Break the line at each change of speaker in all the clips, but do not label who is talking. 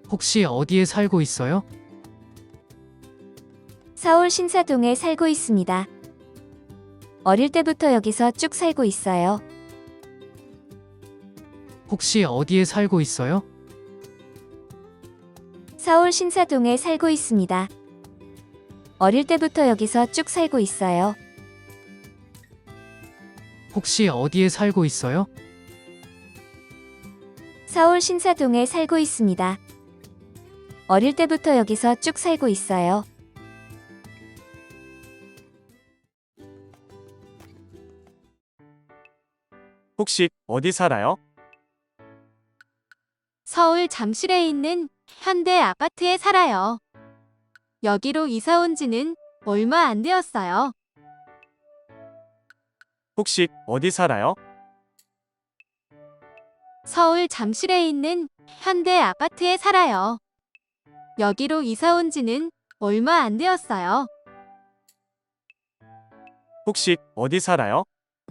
혹시 어디에 살고 있어요?
서울 신사동에 살고 있습니다. 어릴 때부터 여기서 쭉 살고 있어요.
혹시 어디에 살고 있어요?
서울 신사동에 살고 있습니다. 어릴 때부터 여기서 쭉 살고 있어요.
혹시 어디에 살고 있어요?
서울 신사동에 살고 있습니다. 어릴 때부터 여기서 쭉 살고 있어요.
혹시 어디 살아요?
서울 잠실에 있는 현대 아파트에 살아요. 여기로 이사 온 지는 얼마 안 되었어요.
혹시 어디 살아요?
서울 잠실에 있는 현대 아파트에 살아요. 여기로 이사 온 지는 얼마 안 되었어요.
혹시 어디 살아요?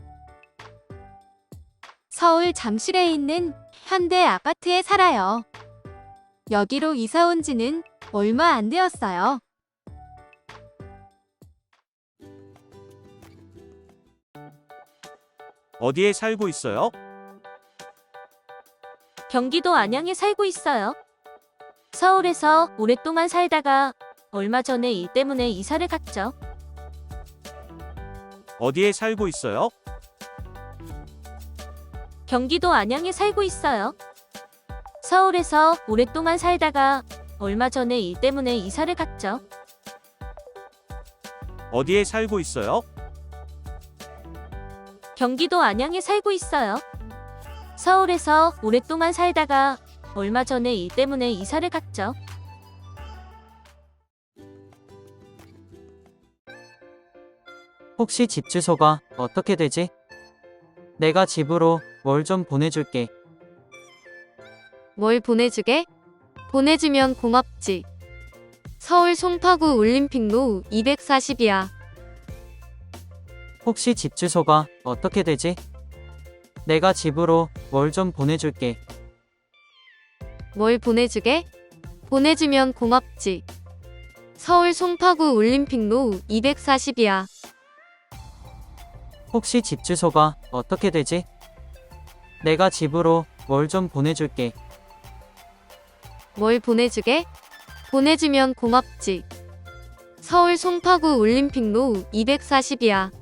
서울 잠실에 있는 현대 아파트에 살아요. 여기로 이사 온 지는 얼마 안 되었어요.
어디에 살고 있어요?
경기도 안양에 살고 있어요. 서울에서 오랫동안 살다가 얼마 전에 일 때문에 이사를 갔죠.
어디에 살고 있어요?
경기도 안양에 살고 있어요. 서울에서 오랫동안 살다가 얼마 전에 일 때문에 이사를 갔죠.
어디에 살고 있어요?
경기도 안양에 살고 있어요. 서울에서 오랫동안 살다가 얼마 전에 일 때문에 이사를 갔죠.
혹시 집 주소가 어떻게 되지? 내가 집으로 뭘 좀 보내줄게.
뭘 보내주게? 보내주면 고맙지. 서울 송파구 올림픽로 240이야.
혹시 집 주소가 어떻게 되지? 내가 집으로 뭘 좀 보내줄게.
뭘 보내주게? 보내주면 고맙지. 서울 송파구 올림픽로 240이야.
혹시 집 주소가 어떻게 되지? 내가 집으로 뭘 좀 보내줄게.
뭘 보내주게? 보내주면 고맙지. 서울 송파구 올림픽로 240이야.